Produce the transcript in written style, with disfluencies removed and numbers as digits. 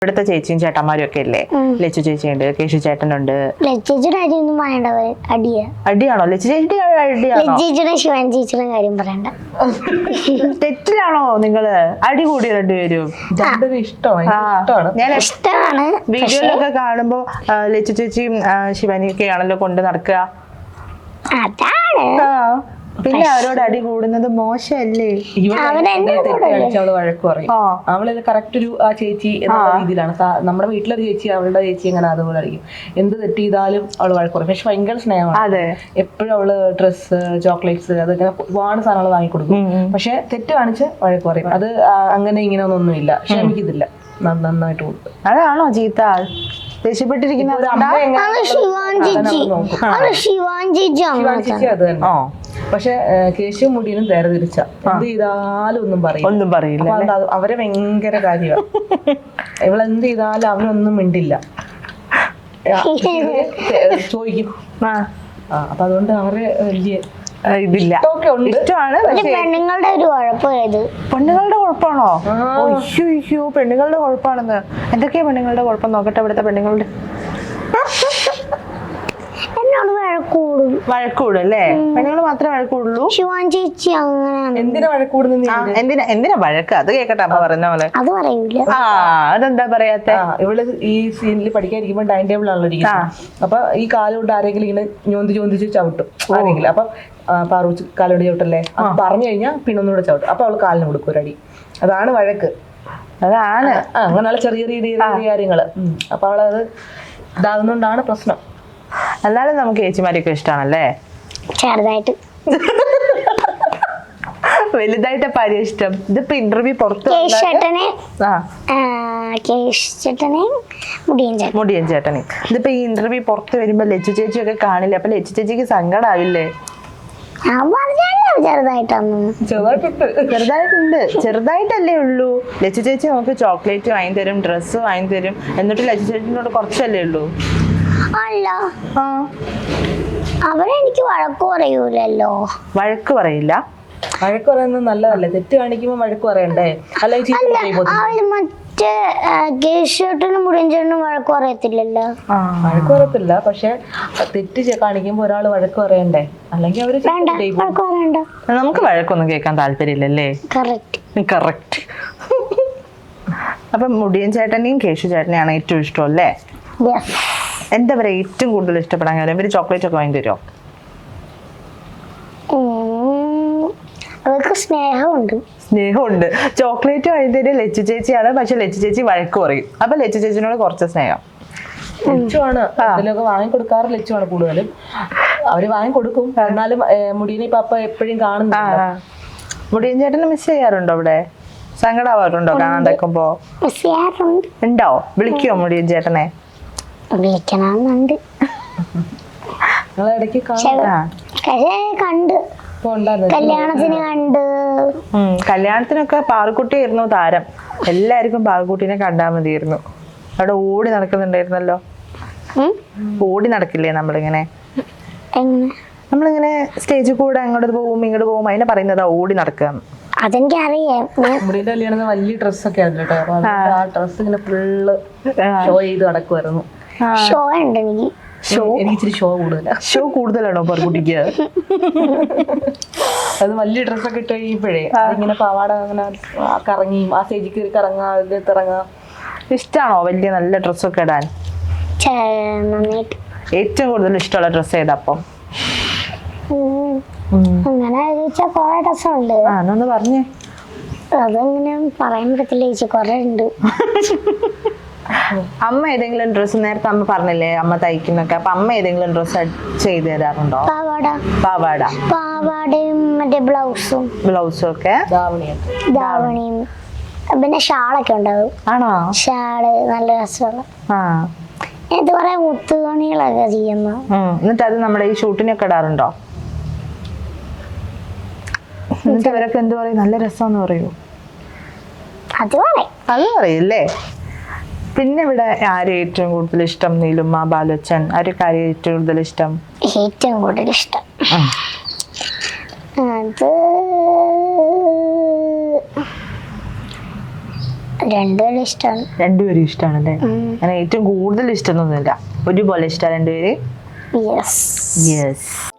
ഇവിടുത്തെ ചേച്ചിയും ചേട്ടന്മാരും ഒക്കെ ഇല്ലേ? ലച്ചു ചേച്ചിയുണ്ട്, കേശു ചേട്ടനുണ്ട്. ലച്ചേച്ചിയുടെ കാര്യമൊന്നും പറയണ്ട, അടിയാണോ ലച്ചു ചേച്ചിയുടെ അടിയാണോ? ലച്ചേച്ചിയുടെ ശിവൻ ചേച്ചിയുടെ കാര്യം പറയണ്ട. തെറ്റിലാണോ നിങ്ങള് അടി കൂടി രണ്ടുപേരും? ഞാൻ ഇഷ്ടമാണ്. വീഡിയോയിലൊക്കെ കാണുമ്പോ ലച്ചു ചേച്ചിയും ശിവാനിയൊക്കെയാണല്ലോ കൊണ്ട് നടക്കുക. അതാണ്. പിന്നെ അവരോട് അടി കൂടുന്നത് മോശമല്ലേ? അവള് വഴക്ക് പറയും. അവള് കറക്റ്റ് ഒരു ആ ചേച്ചി എന്ന രീതിയിലാണ്. നമ്മുടെ വീട്ടിലൊരു ചേച്ചി അവളുടെ ചേച്ചി എങ്ങനെ അതുപോലെ ആയിരിക്കും. എന്ത് തെറ്റ് ചെയ്താലും അവള് വഴക്ക് പറയും. പക്ഷെ ഭയങ്കര സ്നേഹമാണ്. എപ്പോഴും അവള് ഡ്രസ്സ്, ചോക്ലേറ്റ്സ് അതിങ്ങനെ ഒരുപാട് സാധനങ്ങൾ വാങ്ങിക്കൊടുക്കും. പക്ഷെ തെറ്റ് കാണിച്ച് വഴക്ക് പറയും. അത് അങ്ങനെ ഇങ്ങനെ ഒന്നുമില്ല, ക്ഷമിക്കത്തില്ല, നന്നായിട്ട് കൊടുക്കും. അതാണോ ചീത്ത ദേഷ്യപ്പെട്ടിരിക്കുന്ന? അത് തന്നെ. പക്ഷെ കേശു മുടിയിലും നേരെ തിരിച്ച എന്ത് ചെയ്താലും ഒന്നും പറയില്ല. അവരെ ഭയങ്കര കാര്യമാണ്. ഇവളെന്ത് ചെയ്താലും അവനൊന്നും മിണ്ടില്ല, ചോദിക്കും. അപ്പൊ അതുകൊണ്ട് അവരെ വലിയ ഇതില്ല, ഇഷ്ടമാണ്. പെണ്ണുങ്ങളുടെ ഒരു കുഴപ്പമായത്. പെണ്ണുങ്ങളുടെ കുഴപ്പമാണോ? അയ്യോ പെണ്ണുങ്ങളുടെ കുഴപ്പമാണെന്ന്. എന്തൊക്കെയാ പെണ്ണുങ്ങളുടെ കുഴപ്പം നോക്കട്ടെ. ഇവിടുത്തെ പെണ്ണുങ്ങളുടെ എന്നോട് വഴക്കൂടും അല്ലേ? പെണ്ണുങ്ങൾ മാത്രമേ വഴക്കൂടുള്ളൂ? ശിവാൻ ചേച്ചി അങ്ങനെ എന്തിനാ വഴക്കൂടുന്ന? എന്തിനാ വഴക്ക്? അത് കേക്കട്ടെ അമ്മ പറഞ്ഞ പോലെ. അത് പറയൂല. അതെന്താ പറയാത്ത? ഇവള് ഈ സീനിൽ പഠിക്കാതിരിക്കുമ്പോ ഡൈനിങ് ടേബിൾ ആണല്ലോ ഇരിക്കുന്നത്. അപ്പൊ ഈ കാലുകൊണ്ട് ആരെങ്കിലും ഇങ്ങനെ ചോദിച്ച് ചവിട്ടും ആരെങ്കിലും. അപ്പൊ പാറൂച്ച് കാലുകൊണ്ട് ചവിട്ടല്ലേ പറഞ്ഞു കഴിഞ്ഞാൽ പിന്നെ ഒന്നുകൂടെ ചവിട്ടും. അപ്പൊ അവള് കാലിന് കൊടുക്കും ഒരടി. അതാണ് വഴക്ക്. അതാണ് അങ്ങനെയുള്ള ചെറിയ കാര്യങ്ങള്. അപ്പൊ അവളത് ഇതാകുന്നോണ്ടാണ് പ്രശ്നം. എന്നാലും നമുക്ക് ചേച്ചിമാരൊക്കെ ഇഷ്ടമാണല്ലേ? ചെറുതായിട്ട്. വലുതായിട്ട് പാര്യ ഇഷ്ടം. ഇതിപ്പോ ഇന്റർവ്യൂ പുറത്ത് മുടിയൻ ചേട്ടനെ ഇതിപ്പോ ഈ ഇന്റർവ്യൂ പുറത്ത് വരുമ്പോ ലച്ചു ചേച്ചിയൊക്കെ കാണില്ലേ? അപ്പൊ ലച്ചു ചേച്ചിക്ക് സങ്കടാവില്ലേ? ചെറുതായിട്ടല്ലേ ഉള്ളൂ. ലച്ചു ചേച്ചി നമുക്ക് ചോക്ലേറ്റ് വാങ്ങി തരും, ഡ്രസ്സ് വാങ്ങി തരും. എന്നിട്ട് ലച്ചു ചേച്ചിനോട് കുറച്ചല്ലേ ഉള്ളൂ? അല്ല, അവരെനിക്ക് വഴക്ക് പറയൂലല്ലോ. വഴക്ക് പറയില്ല? വഴക്ക് പറയുന്നത് നല്ലതല്ലേ? തെറ്റ് കാണിക്കുമ്പോ വഴക്ക് പറയണ്ടേ? മറ്റേ കേശുട്ടനും മുടിയൻചേട്ടനും വഴക്ക് പറയത്തില്ലല്ലോ. വഴക്ക് പറയത്തില്ല, പക്ഷെ തെറ്റ് കാണിക്കുമ്പോ ഒരാള് വഴക്ക് പറയണ്ടേ? അല്ലെങ്കിൽ അവര് വഴക്ക് പറയണ്ട. നമുക്ക് വഴക്കൊന്നും കേൾക്കാൻ താല്പര്യമില്ലല്ലേ? കറക്റ്റ്. അപ്പൊ മുടിയൻ ചേട്ടനെയും കേശു ചേട്ടനെയാണ് ഏറ്റവും ഇഷ്ടം അല്ലേ? എന്താ പറയാ ഏറ്റവും കൂടുതൽ ഇഷ്ടപ്പെടാൻ കാര്യം? ഇവര് ചോക്ലേറ്റ് ഒക്കെ വാങ്ങി തരുമോ? അവർക്ക് സ്നേഹമുണ്ട്. ചോക്ലേറ്റ് വാങ്ങി തരും ലച്ചു ചേച്ചിയാണ്. പക്ഷെ ലച്ചു ചേച്ചി വഴക്ക് പറയും. അപ്പൊ ലച്ചു ചേച്ചിനോട് കുറച്ച് സ്നേഹം. ലച്ചുവാണ് ഇതിലൊക്കെ വാങ്ങിക്കൊടുക്കാറ്. ലച്ചുവാണ് കൂടുതലും. അവര് വാങ്ങിക്കൊടുക്കും. എന്നാലും മുടിയനെ പപ്പ എപ്പോഴും കാണുന്നില്ല. മുടിയൻ ചേട്ടനെ മിസ് ചെയ്യാറുണ്ടോ? ഇവിടെ സങ്കടാവാറുണ്ടോ കാണാണ്ടിരിക്കുമ്പോ? ഉണ്ടോ? വിളിക്കുവോ മുടിയൻ ചേട്ടനെ? വിളിക്കണമെന്നുണ്ട്. കണ്ട് കല്യാണത്തിന് കല്യാണത്തിനൊക്കെ പാറുക്കുട്ടിയായിരുന്നു താരം. എല്ലാവർക്കും പാറുക്കുട്ടീനെ കണ്ടാൽ മതിയായിരുന്നു. അവിടെ ഓടി നടക്കുന്നുണ്ടായിരുന്നല്ലോ. ഓടി നടക്കില്ലേ നമ്മളിങ്ങനെ സ്റ്റേജിൽ കൂടെ അങ്ങോട്ട് പോവും ഇങ്ങോട്ട് പോവും. അതിനെ പറയുന്നതാ ഓടി നടക്കുക. അതെനിക്കറിയാം. മുടിയുടെ കല്യാണം വലിയ ഡ്രസ്സൊക്കെ ആയിരുന്നു കേട്ടോ. അപ്പൊ ആ ഡ്രസ്സ് ഇങ്ങനെ ഫുള്ള് ഷോ ചെയ്ത് നടക്കുമായിരുന്നു. ഷോ ഉണ്ട് എനിക്ക്. എനിക്ക് ഇച്ചിരി ഷോ കൂടുതലാണോ പാറുക്കുട്ടിക്ക്? അത് വലിയ ഡ്രസ്സൊക്കെ ഇട്ട് കഴിയുമ്പോഴേ അതിങ്ങനെ പാവാട അങ്ങനെ കറങ്ങി ആ സ്റ്റേജിൽ കയറി കറങ്ങാം. ഇഷ്ടമാണോ വലിയ നല്ല ഡ്രസ്സൊക്കെ ഇടാൻ? ഏറ്റവും കൂടുതൽ ഇഷ്ടമുള്ള ഡ്രസ്സ് ഏതാ? അപ്പം അങ്ങനെ കൊറേ ഡ്രസ്സുണ്ട്. ഒന്ന് പറഞ്ഞേ. അതങ്ങനെ പറയാൻ പറ്റത്തില്ല ചേച്ചി, കൊറേ ഉണ്ട്. അമ്മ ഏതെങ്കിലും ഡ്രസ്സ് നേരത്തെ അമ്മ പറഞ്ഞില്ലേ അമ്മ തയ്ക്കുന്നൊക്കെ? അപ്പൊ അമ്മ ഏതെങ്കിലും ഡ്രസ്സ് ചെയ്ത് തരാറുണ്ടോ? പാവാടയും മറ്റേ ബ്ലൗസും ഒക്കെ, ധാവണിയും പിന്നെ ഷാളൊക്കെ ഉണ്ടാവും. ആണോ? ഷാള് നല്ല രസമുള്ള. ഇത് കുറെ മുത്തുപണികളൊക്കെ ചെയ്യുന്നു. എന്നിട്ട് അത് നമ്മുടെ ഈ ഷൂട്ടിനൊക്കെ ഇടാറുണ്ടോ? എന്നിട്ട് അവരൊക്കെ എന്ത് പറയും? നല്ല രസമെന്ന് പറയൂ? അത് പറയല്ലേ? പിന്നെ ഇവിടെ ആരും ഏറ്റവും കൂടുതൽ ഇഷ്ടം? നീലുമ്മ, ബാലുച്ചൻ, ആരൊക്കെ ആരും ഏറ്റവും കൂടുതൽ ഇഷ്ടം? ഏറ്റവും കൂടുതൽ ഇഷ്ടം അത് രണ്ടുപേരും ഇഷ്ടമാണ്. രണ്ടുപേരും ഇഷ്ടമാണല്ലേ? അങ്ങനെ ഏറ്റവും കൂടുതൽ ഇഷ്ടമൊന്നുമില്ല, ഒരുപോലെ ഇഷ്ടമാണ് രണ്ടുപേര്. യെസ്. യെസ്.